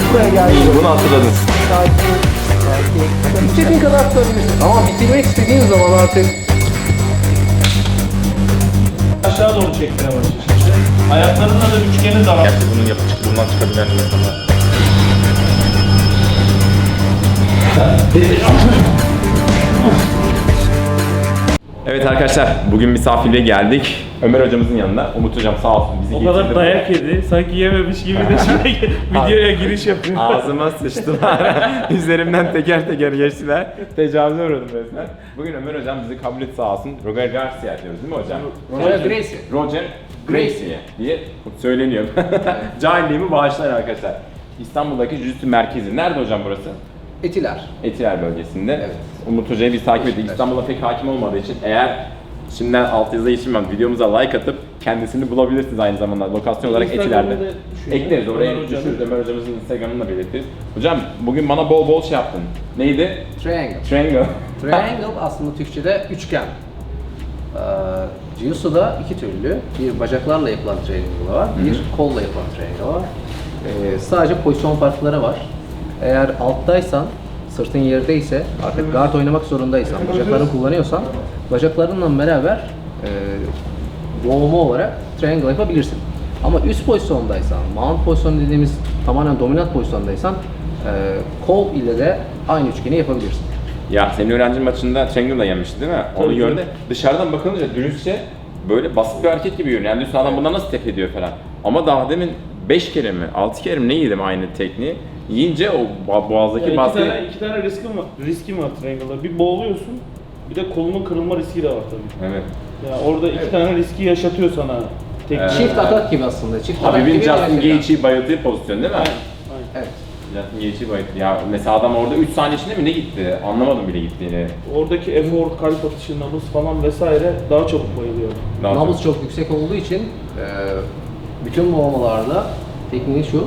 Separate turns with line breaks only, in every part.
Buraya geldi.
İyi, bunu hatırladın.
Sakin. İstediğin kadar tutabilirsin. Ama bitirmek istediğin zaman artık
Aşağı doğru çekmeye başlıyor şimdi. Ayaklarınla da üçgeni daralt.
Gerçi bunun bundan çıkabilen insanlar. Evet arkadaşlar, bugün misafirliğe geldik. Ömer hocamızın yanına. Umut hocam sağ olsun bizi
O
getirdi.
kadar dayak yedi. Sanki yememiş gibi de şimdi videoya giriş yapıyor.
Ağzıma sıçtılar. Üzerimden teker teker geçtiler. Tecavüze uğradım resmen. Bugün Ömer hocam bizi kabul etti sağ olsun. Roger Garcia diyoruz değil mi hocam?
Roger Gracie.
Roger Gracie diye söyleniyor. Cahilliğimi bağışlayın arkadaşlar. İstanbul'daki Jiu-Jitsu merkezi. Nerede hocam burası?
Etiler.
Etiler bölgesinde.
Evet.
Umut Hoca'yı biz takip ettik. İstanbul'a pek hakim olmadığı için eğer şimdiden altyazıda geçirmem videomuza like atıp kendisini bulabilirsiniz aynı zamanda lokasyon olarak
Instagram'da
Etiler'de.
düşüyor.
Ekleriz oraya
Ömer Hoca'nın.
düşürüz. Ömer hocamızın Instagram'ını da belirtiriz. Hocam bugün bana bol bol şey yaptın. Neydi?
Triangle.
Triangle.
Triangle aslında Türkçe'de üçgen. Jiu-Jitsu'da iki türlü. Bir bacaklarla yapılan triangle var, bir kolla yapılan triangle var. Sadece pozisyon farkları var. Eğer alttaysan, sırtın yerdeyse, artık guard oynamak zorundaysan, bacaklarını kullanıyorsan, bacaklarınla beraber boğma olarak triangle yapabilirsin. Ama üst pozisyondaysan, mount pozisyon dediğimiz tamamen dominant pozisyondaysan, kol ile de aynı üçgeni yapabilirsin.
Ya senin öğrencinin maçında Triangle'la yemişti değil mi? Onu
Tabii,
gördü.
tabii.
Dışarıdan bakılınca dürüstçe böyle basit bir hareket gibi görünüyor. Yani diyorsun adam bundan nasıl tep ediyor falan. Ama daha demin 5 kere mi, 6 kere mi ne yedim aynı tekniği. Yiyince o boğazdaki
Yani
baskı...
iki tane riskim var Triangle'da. Bir boğuluyorsun, bir de kolunun kırılma riski de var tabii.
Evet.
Yani orada iki tane riski yaşatıyor sana. Teknik.
Çift atak gibi aslında. Çift atak
Habib'in
gibi
Justin
mesela.
Gaethje'yi bayıldığı pozisyon değil mi?
Aynen.
Evet.
Justin Gaethje'yi bayıldı. Ya mesela adam orada 3 saniye içinde mi ne gitti? Anlamadım bile gittiğini.
Oradaki efor, kalp atışı, nabız falan vesaire daha çabuk bayılıyor.
Daha
Nabız çok yüksek olduğu için bütün boğmalarda tekniği şu,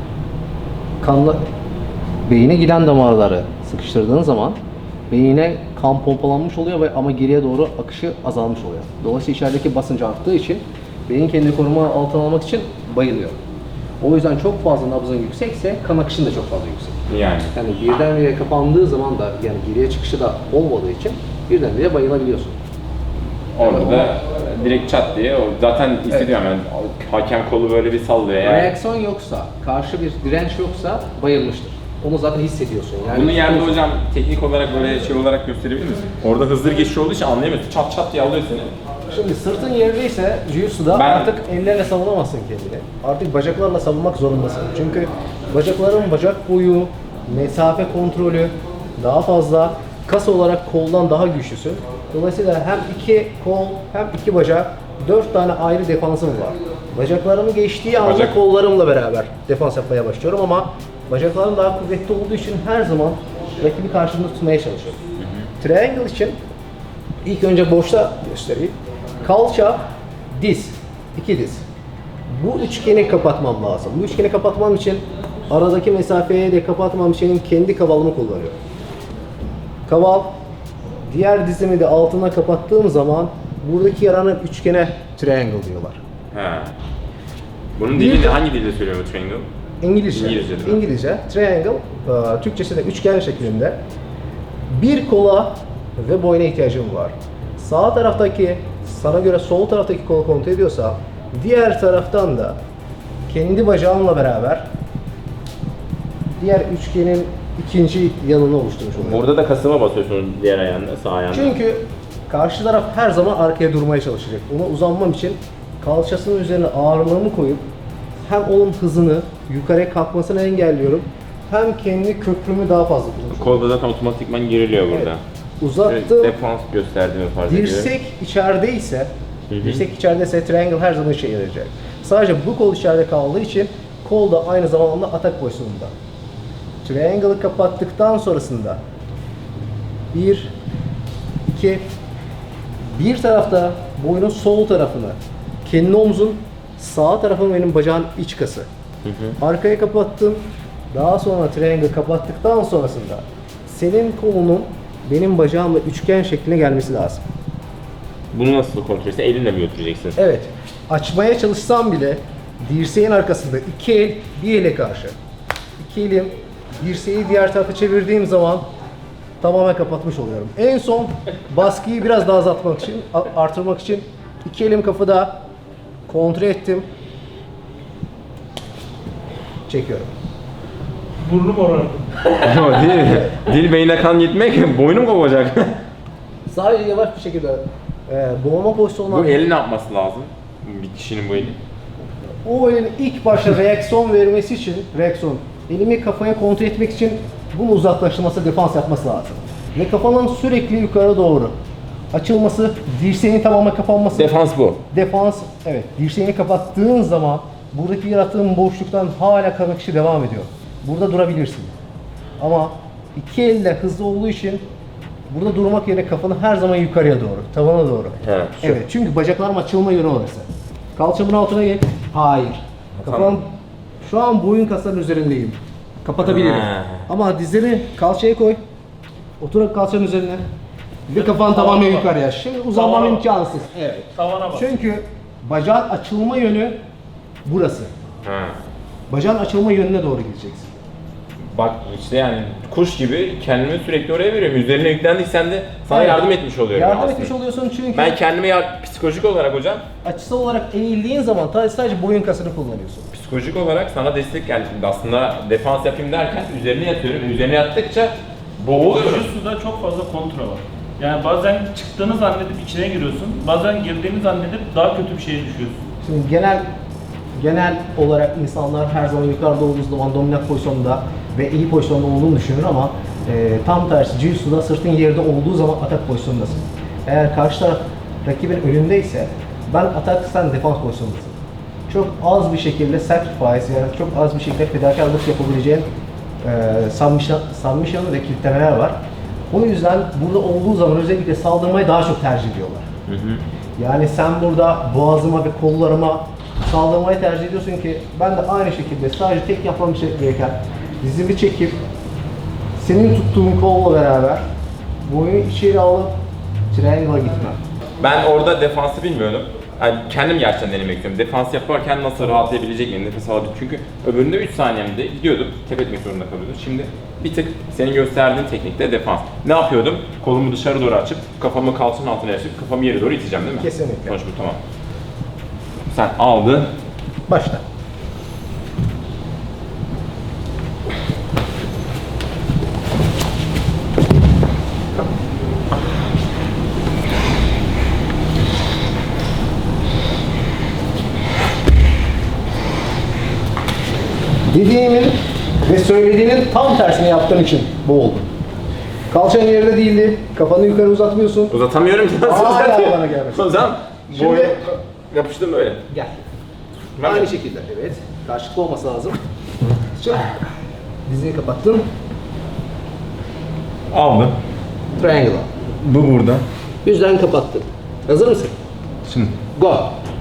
kanla beyine giden damarları sıkıştırdığın zaman beyine kan pompalanmış oluyor ve ama geriye doğru akışı azalmış oluyor. Dolayısıyla içerideki basıncı arttığı için beyin kendini koruma altına almak için bayılıyor. O yüzden çok fazla nabzın yüksekse kan akışın da çok fazla yüksek.
Yani.
Yani birdenbire kapandığı zaman da yani geriye çıkışı da olmadığı için birdenbire bayılabiliyorsun.
Orada da direkt çat diye o zaten hissediyorum yani hakem kolu böyle bir sallıyor yani.
Reaksiyon yoksa, karşı bir direnç yoksa bayılmıştır. Onu zaten hissediyorsun. Yani
Bunun yerde hocam teknik olarak böyle şey olarak gösterebilir misin? Orada hızlı geçiş olduğu için anlayamıyorsun. Çat çat diye alıyor seni.
Şimdi sırtın yerdeyse Jiu-Jitsu'da
Ben-
artık ellerle savunamazsın kendini. Artık bacaklarla savunmak zorundasın. Çünkü bacakların bacak boyu, mesafe kontrolü daha fazla. Kas olarak koldan daha güçlüsün. Dolayısıyla hem iki kol hem iki bacak 4 tane ayrı defansım var. Bacaklarımı geçtiği anda
Bacak-
kollarımla beraber defans yapmaya başlıyorum ama bacaklarım daha kuvvetli olduğu için her zaman rakibi karşımda tutmaya çalışıyorum. Triangle için ilk önce boşta göstereyim. Kalça, diz, iki diz. Bu üçgeni kapatmam lazım. Bu üçgeni kapatmam için aradaki mesafeyi de kapatmam için kendi kavalımı kullanıyorum. Kaval, diğer dizimi de altına kapattığım zaman buradaki yaranın üçgene triangle diyorlar.
He. Bunun
Bir
dilini
de-
hangi dilde söylüyor bu Triangle?
İngilizce.
İngilizce değil mi?
İngilizce. Triangle, Türkçesi de üçgen şeklinde. Bir kola ve boyuna ihtiyacım var. Sağ taraftaki, sana göre sol taraftaki kolu kontrol ediyorsa, diğer taraftan da kendi bacağımla beraber diğer üçgenin ikinci yanını oluşturmuş oluyorum.
Burada da kasıma basıyorsun diğer ayağında, sağ ayağında.
Çünkü karşı taraf her zaman arkaya durmaya çalışacak. Ona uzanmam için kalçasının üzerine ağırlığımı koyup hem onun hızını yukarıya kalkmasını engelliyorum hem kendi köprümü daha fazla kullanıyorum.
Kolda zaten otomatikman geriliyor burada.
Uzattım.
Defans gösterdiğimi fark ediyorum.
Dirsek içerideyse,
Hı hı.
dirsek içerideyse triangle her zaman işe yarayacak. Sadece bu kol içeride kaldığı için kol da aynı zamanda atak pozisyonunda. Triangle'ı kapattıktan sonrasında bir tarafta boynun sol tarafını, kendi omzun sağ tarafın benim bacağın iç kası. Arkaya kapattım. Daha sonra triangle kapattıktan sonrasında senin kolunun benim bacağımla üçgen şekline gelmesi lazım.
Bunu nasıl kontrol edeceksin? Elinle mi götüreceksin?
Evet. Açmaya çalışsam bile dirseğin arkasında iki el bir ele karşı. iki elim dirseği diğer tarafa çevirdiğim zaman tamamen kapatmış oluyorum. En son baskıyı biraz daha azaltmak için, artırmak için iki elim kafada kontrol ettim. Çekiyorum.
Burnum oranı.
Ama dil beyne kan gitmek boynum kopacak.
Sadece yavaş bir şekilde boğma pozisyonuna...
Bu eli ne yapması lazım? Bir kişinin bu eli.
O elin ilk başta reaksiyon vermesi için, elimi kafaya kontrol etmek için bunu uzaklaştırması, defans yapması lazım. Ve kafanın sürekli yukarı doğru açılması, dirseğinin tamamen kapanması.
Defans bu.
Defans, evet. Dirseğini kapattığın zaman buradaki yarattığın boşluktan hala kan akışı devam ediyor. Burada durabilirsin. Ama iki elle hızlı olduğu için burada durmak yerine kafanı her zaman yukarıya doğru, tavana doğru.
Evet, şu.
Evet, çünkü bacaklarım açılma yönü orası. Kalçamın altına gel. Hayır. Kafam şu an boyun kaslarının üzerindeyim. Kapatabilirim.
Ha.
Ama dizleri kalçaya koy. Otur kalçanın üzerine. Ve kafan tamamen
bak.
yukarıya. Şimdi uzanmam
Tavana bak.
imkansız. Evet.
Tavana bak.
Çünkü bacağın açılma yönü burası.
Ha.
Bacağın açılma yönüne doğru gideceksin.
Bak işte yani kuş gibi kendimi sürekli oraya veriyorum. Üzerine yüklendiysen de sana
Evet.
yardım etmiş oluyorum.
Yardım
aslında.
etmiş oluyorsun çünkü
Ben kendime psikolojik olarak hocam,
açısal olarak eğildiğin zaman sadece boyun kasını kullanıyorsun.
psikolojik olarak sana destek yani şimdi aslında defans yapayım derken üzerine yatıyorum. Üzerine yattıkça boğuluyorum.
Jiu-Jitsu'da çok fazla kontra var. Yani bazen çıktığını zannedip içine giriyorsun, bazen girdiğini zannedip daha kötü bir şeye düşüyorsun.
Şimdi genel olarak insanlar her zaman yukarıda olduğu zaman dominant pozisyonda ve iyi pozisyonda olduğunu düşünür ama tam tersi Jiu-Jitsu'da sırtın yerde olduğu zaman atak pozisyondasın. Eğer karşı taraf rakibin önündeyse ben atak sen defans pozisyondasın. Çok az bir şekilde sacrifice yani çok az bir şekilde fedakarlık yapabileceğin submission ve kilitlemeler var. O yüzden burada olduğu zaman özellikle saldırmayı daha çok tercih ediyorlar. Yani sen burada boğazıma ve kollarıma saldırmayı tercih ediyorsun ki ben de aynı şekilde sadece tek yapmam gereken dizimi çekip senin tuttuğun kolla beraber boynu içeri alıp triangle'a gitmem.
Ben orada defansı bilmiyordum. Yani kendim gerçekten denemek istiyorum. Defans yaparken nasıl rahatlayabilecek miyim, nefes alabileceğim. Çünkü öbüründe 3 saniyemde gidiyordum, tep etmek zorunda kalıyordum. Şimdi bir tık senin gösterdiğin teknikte defans. Ne yapıyordum? Kolumu dışarı doğru açıp, kafamı kalçanın altına açıp, kafamı yere doğru iteceğim değil mi?
Kesinlikle.
Sonuç bu, tamam. Sen aldın.
Başla. Dediğimin ve söylediğinin tam tersini yaptığın için bu oldu. Kalçan yerde değildi, kafanı yukarı uzatmıyorsun.
Uzatamıyorum ki.
Hala bana gelmesin.
O zaman
Şimdi-
boynu yapıştım böyle.
Gel.
Ben
Aynı
de.
şekilde, evet. Karşılıklı olması lazım. Çık. Dizini kapattın.
Aldım.
Triangle.
Bu burada.
Yüzden kapattın. Hazır mısın?
Şimdi.
Go.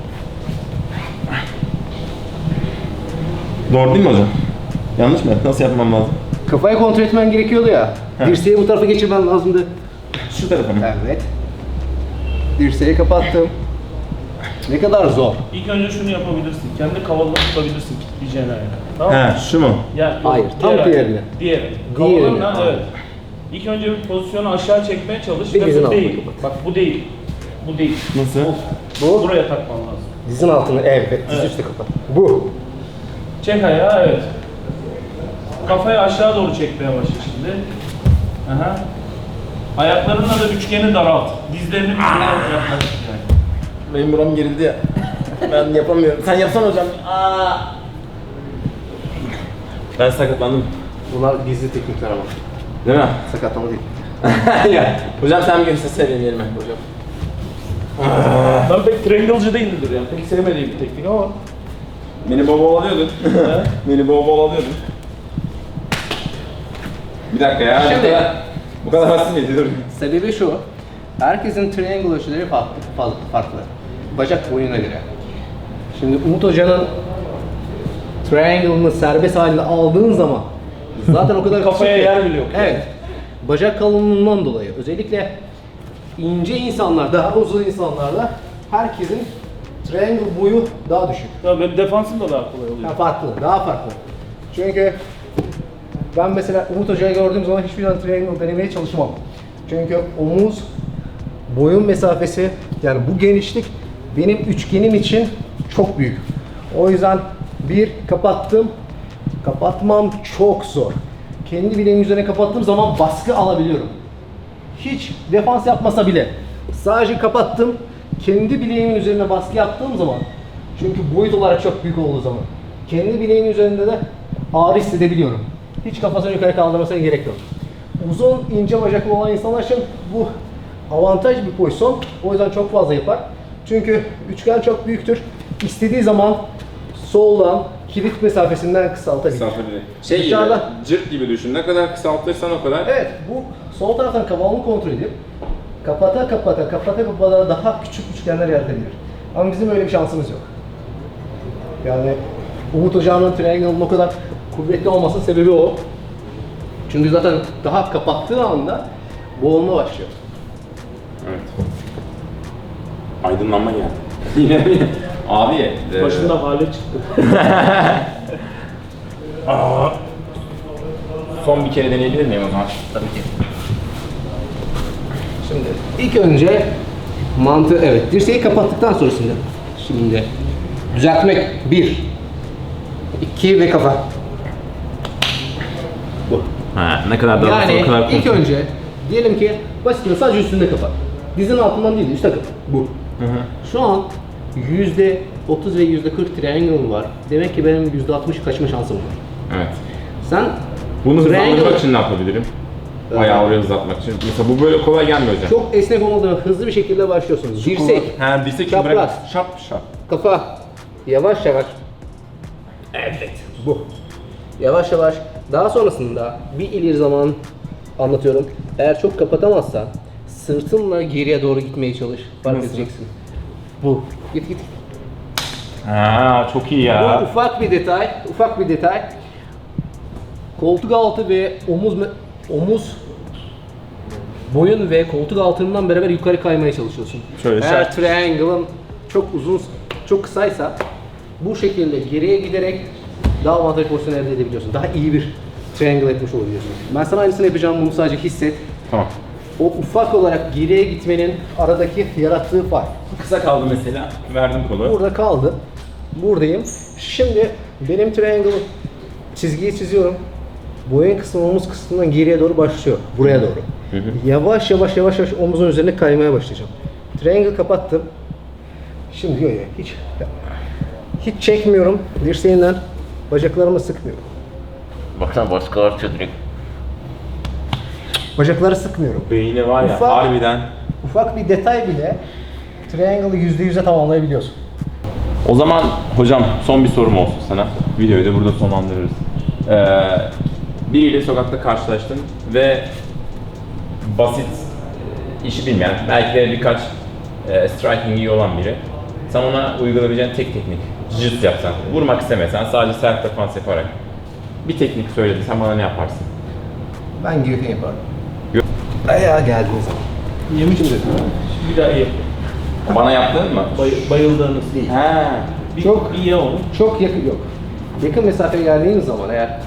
Doğru değil mi hocam? Yanlış mı? Nasıl yapmam lazım?
Kafayı kontrol etmen gerekiyordu ya. Dirseği bu tarafa geçirmen lazımdı.
Şu tarafa mı?
Evet. Dirseği kapattım. Ne kadar zor.
İlk önce şunu yapabilirsin, kendi kavalını tutabilirsin kilitleyeceğin ayağı. Tamam mı?
He, şu mu?
Ya, yok,
Hayır, tam
diğer
diğerini.
ayağı. Diğeri.
Diğerini,
Kavalınla,
tamam.
evet. İlk önce bir pozisyonu aşağı çekmeye çalış
Bir
ve
dizin
bu
altına
değil.
kapat.
Bak bu değil. Bu değil.
Nasıl?
Bu.
Buraya takman lazım.
Dizin altını, evet. Diz
Evet.
üstü kapat. Bu.
Çek ayağı, evet. Kafayı aşağı doğru çekmeye başla şimdi. Aha. Ayaklarınla da üçgeni daralt. Dizlerini birbirine yaklaş.
Benim buram gerildi ya. Ben yapamıyorum. Sen yapsana hocam. Ben sakatlandım.
Bunlar gizli teknikler ama.
Değil mi?
Sakatlama değil.
Ya. Hocam sen bir göstersene benim yerime hocam.
Ben pek triangle'cı değildir yani. Pek sevmediğim bir teknik ama.
Beni bol bol alıyordun. Beni bol bol alıyordun. Bir dakika ya.
Şimdi-
Bu kadar basit miydi? Dur.
Sebebi şu. Herkesin triangle ölçüleri farklı. Bacak boyuna göre. Şimdi Umut Hoca'nın triangle'ını serbest halinde aldığın zaman zaten o kadar
Kafaya
küçük ki-
yer bile yok.
Evet. Bacak kalınlığından dolayı özellikle ince insanlar, daha uzun insanlarda herkesin triangle boyu daha düşük.
Ya benim defansım da daha kolay oluyor.
Daha farklı. Çünkü Ben mesela Umut Hoca'yı gördüğüm zaman hiçbir zaman triangle denemeye çalışmam. Çünkü omuz, boyun mesafesi, yani bu genişlik benim üçgenim için çok büyük. O yüzden bir kapattım, kapatmam çok zor. Kendi bileğimin üzerine kapattığım zaman baskı alabiliyorum. Hiç defans yapmasa bile sadece kapattım, kendi bileğimin üzerine baskı yaptığım zaman, çünkü boyut olarak çok büyük olduğu zaman kendi bileğimin üzerinde de ağrı hissedebiliyorum. Hiç kafasını yukarı kaldırmasına gerek yok. Uzun, ince bacaklı olan insanlar için bu avantaj bir pozisyon. O yüzden çok fazla yapar. Çünkü üçgen çok büyüktür. İstediği zaman soldan kilit mesafesinden kısaltabilir.
Şey
Dışarıda-
gibi, cırt gibi düşün. Ne kadar kısaltırsan o kadar.
Evet, bu sol taraftan kavalını kontrol edip kapata daha küçük üçgenler yaratabilir. Ama bizim öyle bir şansımız yok. Yani Umut Hoca'nın triangle'ın o kadar kuvvetli olmasının sebebi o. Çünkü zaten daha kapattığı anda boğulma başlıyor.
Evet. Aydınlanma geldi. Yine mi? Abi.
Başında hale çıktı.
Son bir kere deneyebilir miyim o zaman?
Tabii ki. Şimdi ilk önce mantığı, evet, dirseği kapattıktan sonrasında şimdi düzeltmek 1 2 ve kafa. Bu.
Ha, ne kadar daha
Yani
o kadar
ilk önce diyelim ki basitçe sadece üstünde kapat. Dizin altından değil, üstte kapat. Bu. Şu an %30 ve %40 triangle var. Demek ki benim %60 kaçma şansım var.
Evet.
Sen
Bunu hızlandırmak
triangle-
için ne yapabilirim? Ayağı oraya hızlatmak için. Mesela bu böyle kolay gelmiyor hocam.
çok esnek olmadan hızlı bir şekilde başlıyorsunuz. Dirsek,
Ha, dirsek
çapraz.
bırak. Şap şap.
kafa, yavaş yavaş. Evet, bu. Yavaş yavaş. Daha sonrasında bir ileri zaman anlatıyorum. Eğer çok kapatamazsan sırtınla geriye doğru gitmeye çalış. Fark
Nasıl?
edeceksin. Bu. Git git.
Ha, çok iyi
Bu
ya.
ufak bir detay. Ufak bir detay. Koltuk altı ve omuz boyun ve koltuk altından beraber yukarı kaymaya çalışıyorsun.
Şöyle
Eğer
şart.
triangle'ın çok uzun, çok kısaysa bu şekilde geriye giderek daha avantajlı pozisyon elde edebiliyorsun. Daha iyi bir triangle etmiş olabiliyorsun. Ben sana aynısını yapacağım, bunu sadece hisset.
Tamam.
O ufak olarak geriye gitmenin aradaki yarattığı fark.
Kısa kaldı mesela. Verdim kolu.
Burada kaldı. Buradayım. Şimdi benim triangle çizgiyi çiziyorum. Boyun kısmı omuz kısmından geriye doğru başlıyor. Buraya doğru. Yavaş yavaş omuzun üzerine kaymaya başlayacağım. Triangle kapattım. Şimdi yok hiç çekmiyorum dirseğinden. Bacaklarımı sıkmıyorum.
Baksana baskı artıyor direkt.
Bacakları sıkmıyorum.
Beyni var ya
Ufak-
harbiden.
Ufak bir detay bile triangle'ı %100'e tamamlayabiliyorsun.
O zaman hocam son bir sorum olsun sana. Videoyu da burada sonlandırırız. Biriyle sokakta karşılaştın ve basit, işi bilmeyen, belki de birkaç striking iyi olan biri. Sen ona uygulayabileceğin tek teknik, jiu-jitsu yapsan, vurmak istemesen sadece self defense yaparak bir teknik söyledi, sen bana ne yaparsın?
Ben guillotine yaparım.
Yok.
Ayağa geldiğiniz zaman.
Yemiş mi? Bir daha iyi.
Bana yaptın mı?
Bayıldığınız
Değil.
Ha.
Çok-
iyi onu.
Çok yakın yok. Yakın mesafeye geldiğiniz zaman eğer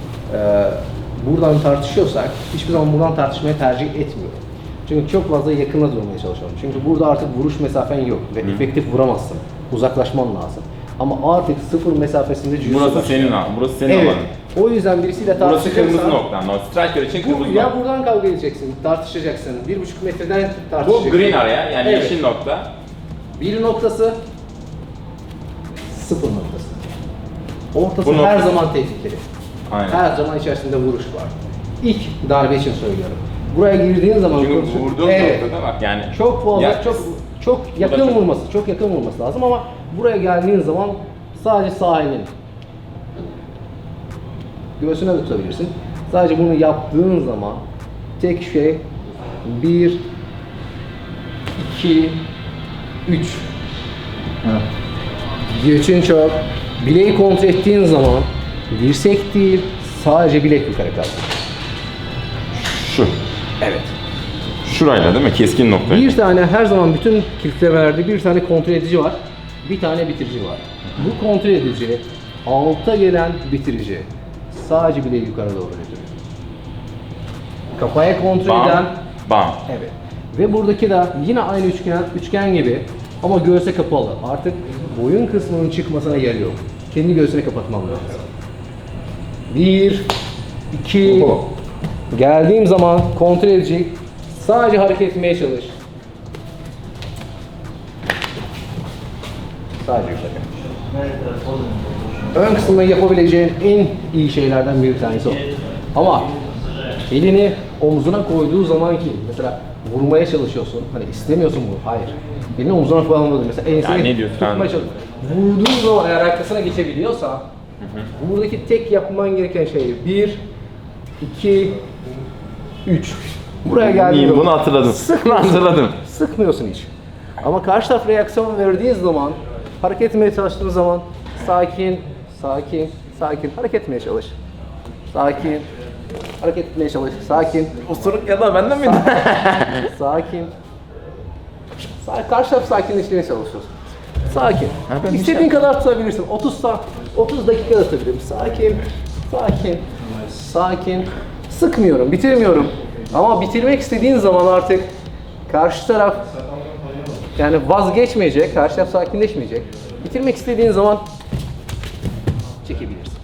buradan tartışıyorsak hiçbir zaman buradan tartışmayı tercih etmiyorum. Çünkü çok fazla yakına durmaya çalışıyorum. Çünkü burada artık vuruş mesafen yok ve efektif vuramazsın. Uzaklaşman lazım. Ama artık sıfır mesafesinde jiu-jitsu
Burası
başlıyor.
senin alan, burası senin
Evet.
alanın.
O yüzden birisiyle
Burası
tartışacaksan
kırmızı noktan. O striker için kırmızı
ya
nokta.
buradan kavga edeceksin, tartışacaksın. 1,5 metreden
Bu
tartışacaksın.
green area yani
Evet.
yeşil nokta.
Bir noktası, sıfır noktası. Ortası
Bu
her
nokta-
zaman tehlikeli.
Aynen.
Her zaman içerisinde vuruş var. İlk darbe için söylüyorum. Buraya girdiğin zaman
Çünkü
kurşun-
vurduğun
evet,
noktada bak yani.
çok fazla,
Ya-
çok yakın
çok-
vurması, çok yakın vurması lazım ama buraya geldiğin zaman sadece sağ elini göğsüne de tutabilirsin. Sadece bunu yaptığın zaman tek şey 1 2 3 Göğsün çok. Bileği kontrol ettiğin zaman dirsek değil, sadece bilek yukarı kalkıyor.
Şu.
Evet.
Şurayla değil mi? Keskin nokta.
Bir tane her zaman bütün kilitlemelerde bir tane kontrol edici var, bir tane bitirici var. Bu kontrol edici alta gelen bitirici. sadece bileği yukarı doğru götürüyor. Kafaya kontrol
Bam,
eden,
bam.
evet. Ve buradaki de yine aynı üçgen gibi ama göğse kapalı. Artık boyun kısmının çıkmasına yer yok. Kendi göğsünü kapatmam lazım. 1, 2, geldiğim zaman kontrol edecek. Sadece hareket etmeye çalış. Sadece yukarı. Ön kısmında yapabileceğin en iyi şeylerden bir tanesi o. Ama elini omzuna koyduğu zaman ki mesela vurmaya çalışıyorsun. Hani istemiyorsun bunu. Hayır. Elini omzuna koyamadı. Mesela enseni
ne diyorsun?
tutmaya çalış. Vurduğun zaman eğer arkasına geçebiliyorsa buradaki tek yapman gereken şey 1, 2, 3. Buraya geldiğinde
Bunu hatırladım. Bunu hatırladım.
sıkmıyorsun hiç. Ama karşı taraf reaksiyon verdiği zaman, hareket etmeye çalıştığın zaman sakin, sakin, sakin hareket etmeye çalış. Sakin, hareket etmeye çalış. Sakin,
Osuruk ya da benden miydi?
sakin. Karşı taraf sakinleştirmeye çalışıyorsun. Sakin.
ben
İstediğin kadar tutabilirsin. 30 dakika da tutabilirim. Sakin, sakin, sakin. Sıkmıyorum, bitirmiyorum. Ama bitirmek istediğin zaman artık karşı taraf yani vazgeçmeyecek, karşı taraf sakinleşmeyecek. Bitirmek istediğin zaman çekebilirsin.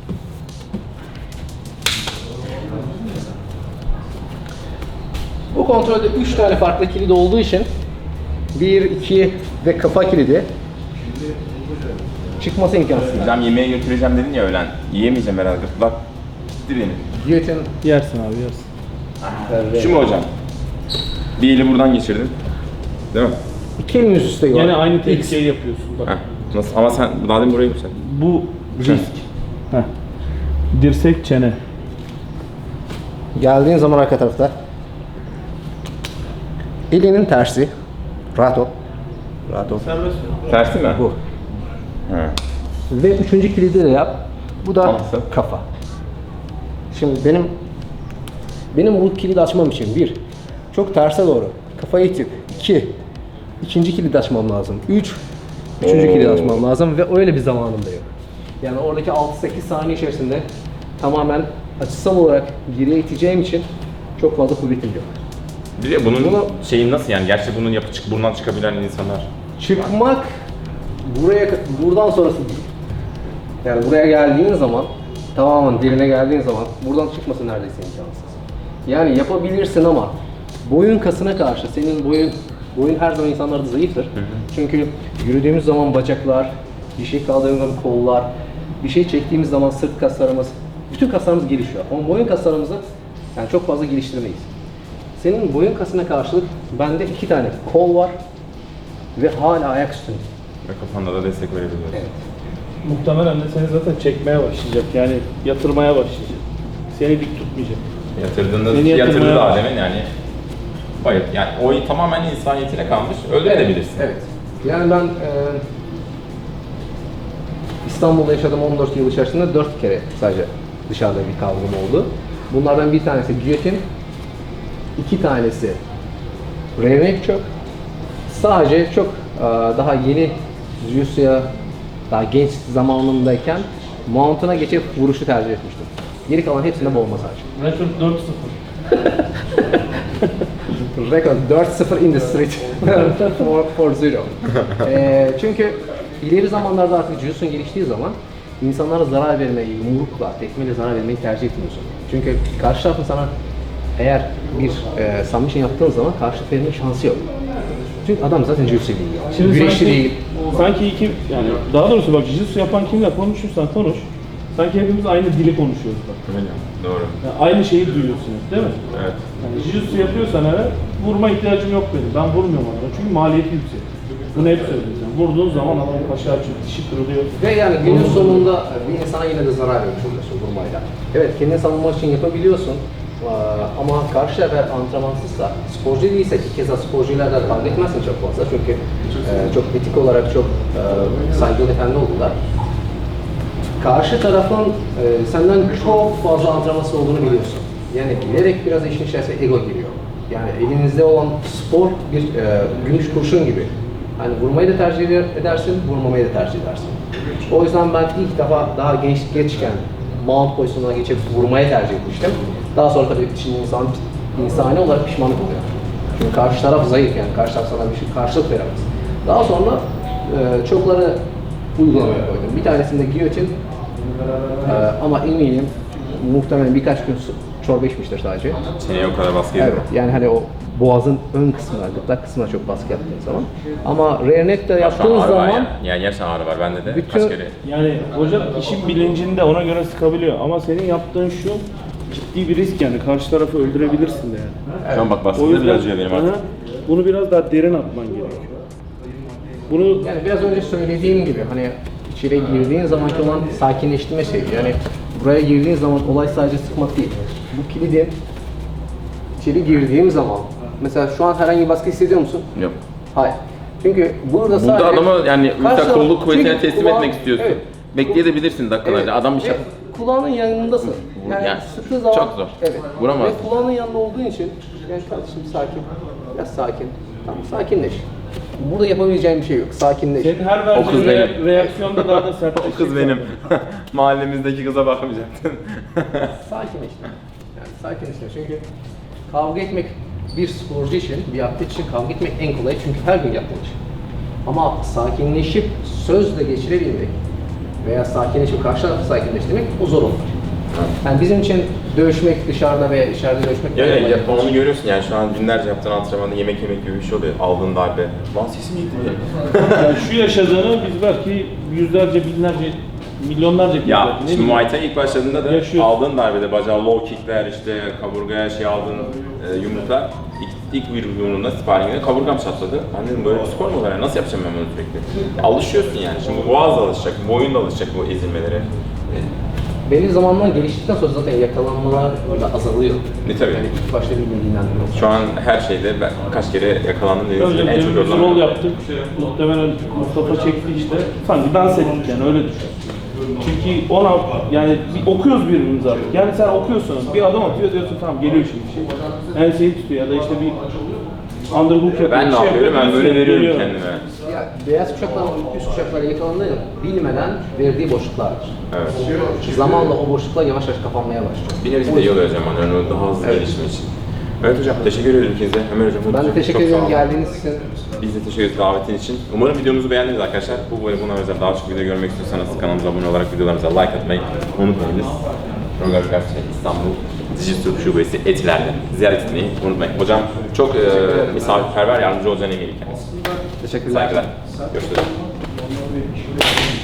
Bu kontrolde 3 tane farklı kilit olduğu için 1, 2 ve kafa kilidi çıkması imkansız.
Hocam yemeğe götüreceğim dedin ya öğlen. Yiyemeyeceğim herhalde. Bak gitti benim.
Giyotin
Yersin abi yersin.
Şu mu hocam? Bir eli buradan geçirdim. Değil mi?
iki elin üst üste var.
Yine aynı tehlikeyi yapıyorsun bak.
Heh. Nasıl? Ama sen daha demin buraya yükseldin.
Bu risk. Heh. Dirsek çene.
Geldiğin zaman arka tarafta elinin tersi. Rahat ol. Rahat ol.
Serbest.
Tersi mi?
Bu.
He.
Ve üçüncü kilidi de yap. Bu da
Nasıl?
kafa. Şimdi benim bu kilidi açmam için 1. Çok terse doğru. Kafayı itip 2. İkinci kilidi açmam lazım. 3. Üçüncü kilidi açmam lazım ve öyle bir zamanım da yok. Yani oradaki 6-8 saniye içerisinde tamamen açısal olarak geriye iteceğim için çok fazla kuvvetim yok.
Bir de bunun
Bunu-
şeyi nasıl yani? Gerçi bunun buradan çıkabilen insanlar.
Çıkmak buradan sonrası değil. Yani buraya geldiğin zaman tamamen derine geldiğin zaman buradan çıkması neredeyse imkansız. Yani yapabilirsin ama boyun kasına karşı senin boyun her zaman insanlarda zayıftır. Çünkü yürüdüğümüz zaman bacaklar, bir şey kaldırdığımız zaman kollar, bir şey çektiğimiz zaman sırt kaslarımız, bütün kaslarımız gelişiyor. Ama boyun kaslarımızı yani çok fazla geliştirmeyiz. Senin boyun kasına karşılık bende 2 tane kol var ve hala ayak üstündeyim.
Ve kafanda da destek verebiliyorsun.
Evet.
Muhtemelen de seni zaten çekmeye başlayacak. Yani yatırmaya başlayacak. Seni dik tutmayacak.
Yatırdığında
Seni
yatırdı
yatırmaya
daha
bak.
demin yani. Bayıt. Yani o tamamen insaniyetine kalmış. Öldürebilirsin.
Evet. Yani ben İstanbul'da yaşadığım 14 yıl içerisinde 4 kere sadece dışarıda bir kavgam oldu. Bunlardan bir tanesi giyotin, 2 tanesi renek çök. Sadece çok daha yeni jiu-jitsu'ya daha genç zamanımdayken mount'una geçip vuruşu tercih etmiştim. Geri kalan hepsinde boğma sadece.
Rekord 4-0.
Record 4-0 in the street for zero. Çünkü ileri zamanlarda artık jiu-jitsu'nun geliştiği zaman insanlara zarar vermeyi, yumrukla, tekmeyle zarar vermeyi tercih etmiyorsun. Çünkü karşı tarafın sana eğer bir submission yaptığın zaman karşı verme şansı yok. Çünkü adam zaten jiu-jitsu değil. Güreşçi değil.
Sanki iki yani daha doğrusu bak jiu-jitsu yapan kimle konuşursan konuş. Sanki hepimiz aynı dili konuşuyoruz bak.
Doğru.
Yani aynı şeyi duyuyorsunuz değil mi?
Evet.
Yani jiu-jitsu yapıyorsan evet vurma ihtiyacım yok benim. Ben vurmuyorum adama çünkü maliyeti yüksek. Bunu hep söylüyoruz. Yani vurduğun zaman adam başı açıyor, dişi kırılıyor.
Ve yani günün sonunda bir insana yine de zarar vermiş oluyorsun vurmayla. Evet, kendini savunmak için yapabiliyorsun. Ama karşı taraf antrenmansızsa, sporcu değilse ki keza sporcularla kavga etmezsin çok fazla çünkü çok etik olarak çok saygılı efendi oldular. Karşı tarafın senden çok fazla antrenmansız olduğunu biliyorsun. Yani bilerek biraz işin içerisine ego giriyor. Yani elinizde olan spor bir gümüş kurşun gibi. Hani vurmayı da tercih edersin, vurmamayı da tercih edersin. O yüzden ben ilk defa daha gençken mount pozisyonuna geçip vurmaya tercih etmiştim. Daha sonra tabii şimdi insani olarak pişmanlık oluyor. Çünkü karşı taraf zayıf yani, karşı taraf sana bir şey karşılık veremez. Daha sonra çokları uygulamaya koydum. Bir tanesinde giyotin ama eminim muhtemelen birkaç gün çorba içmiştir sadece.
Çeneye o kadar baskı yedim.
Evet, yani hani o boğazın ön kısmına, gırtlak kısmına çok baskı yaptığın zaman. Ama rear neck'te
Şu an
yaptığın
ağrı var
zaman
yani gerçekten ağrı var bende de
bütün-
kaç kere.
Yani hocam işin bilincinde ona göre sıkabiliyor ama senin yaptığın şu ciddi bir risk yani karşı tarafı öldürebilirsin de yani.
Şu an bak baskı bile acıyor benim artık.
Aha, bunu biraz daha derin atman gerekiyor. Bunu
yani biraz önce söylediğim gibi hani içeri girdiğin zamanki olan sakinleştirme şeyi. Yani buraya girdiğin zaman olay sadece sıkmak değil. Bu kilidin içeri girdiğim zaman mesela şu an herhangi bir baskı hissediyor musun?
Yok.
Hayır. Çünkü burada sadece...
Burada adama yani
Karşı
ultra kolluk
taraf-
kuvvetine
çünkü
teslim
kulağın-
etmek istiyorsun.
evet.
Bekleyebilirsin dakikalarca.
Evet.
Adam bir şey...
Ve kulağının yanındasın. Yani,
Yani
sıktığı zaman...
çok zor.
Evet.
Vuramaz.
Ve kulağının yanında olduğu için yani kardeşim sakin. Biraz sakin. Tamam sakinleş. Burada yapabileceğin bir şey yok. Sakinleş.
senin her
O kız
verdiğin
benim.
reaksiyonda daha da sertleşecek.
O kız benim. Mahallemizdeki kıza bakmayacaktın.
Sakinleş. Yani sakinleş. Çünkü kavga etmek bir sporcu için, bir atlet için kavga etmek en kolay çünkü her gün yaptığın iş. Ama sakinleşip sözle geçirebilmek veya sakinleşip karşı tarafı sakinleştirmek o zor olur. Yani bizim için dövüşmek dışarıda veya içeride dövüşmek
Ya,
kolay.
onu görüyorsun yani şu an günlerce yaptığın antrenmanda yemek yemek gibi bir şey oluyor. Aldığın darbe. Lan sesim gitti benim.
Yani şu yaşadığını biz belki yüzlerce, binlerce, milyonlarca kez
Ya
belki, ne
şimdi
bileyim.
Muay Thai ilk başladığında da
Yaşıyorsun.
aldığın darbede bacağı low kickler işte kaburgaya şey aldığın yumruklar ilk bir yumruğunda sparringde kaburgam çatladı. Ben dedim böyle bir spor mu var ya nasıl yapacağım ben bunu sürekli? Alışıyorsun yani şimdi boğaz da alışacak, boyun da alışacak bu ezilmelere.
Belli zamanlar geliştikten sonra zaten yakalanmalar da azalıyor.
Tabii.
Yani ilk başta bilmediğinden dolayı.
Şu an her şeyde ben kaç kere yakalandım dediğiniz
Önce
gibi en çok
bir
yorulan
rol
ben.
yaptık. Muhtemelen Mustafa çekti işte. Sanki dans ettik yani öyle düşün. Çünkü ona yani okuyoruz birbirimizi artık. Yani sen okuyorsun, bir adım atıyor diyorsun tamam geliyor şimdi bir şey. Enseyi tutuyor ya da işte bir underhook yapıyor.
Ben
bir
ne
şey
yapıyorum? Ben
yapıyor,
böyle veriyorum
geliyor.
kendime.
Ya, beyaz kuşaklar, üst kuşaklara yakalandığı bilmeden verdiği boşluklardır.
Evet.
Zamanla o boşluklar yavaş yavaş kapanmaya başlıyor.
Bir nevi de iyi oluyor hocam hani onu daha hızlı gelişim için. Evet hocam teşekkür ederim ikinize. Ömer hocam.
Ben de teşekkür
çok sağ
ederim
olun.
geldiğiniz için.
Biz de teşekkür ederiz davetin için. Umarım videomuzu beğendiniz arkadaşlar. Bu böyle buna özel daha çok video görmek istiyorsanız kanalımıza abone olarak videolarımıza like atmayı unutmayınız. Rogar Gazetesi İstanbul Dijital Şubesi Etiler'de ziyaret etmeyi unutmayın. Hocam çok misafirperver yardımcı olacağına eminim kendisi.
Teşekkürler.
Saygılar. Görüşürüz.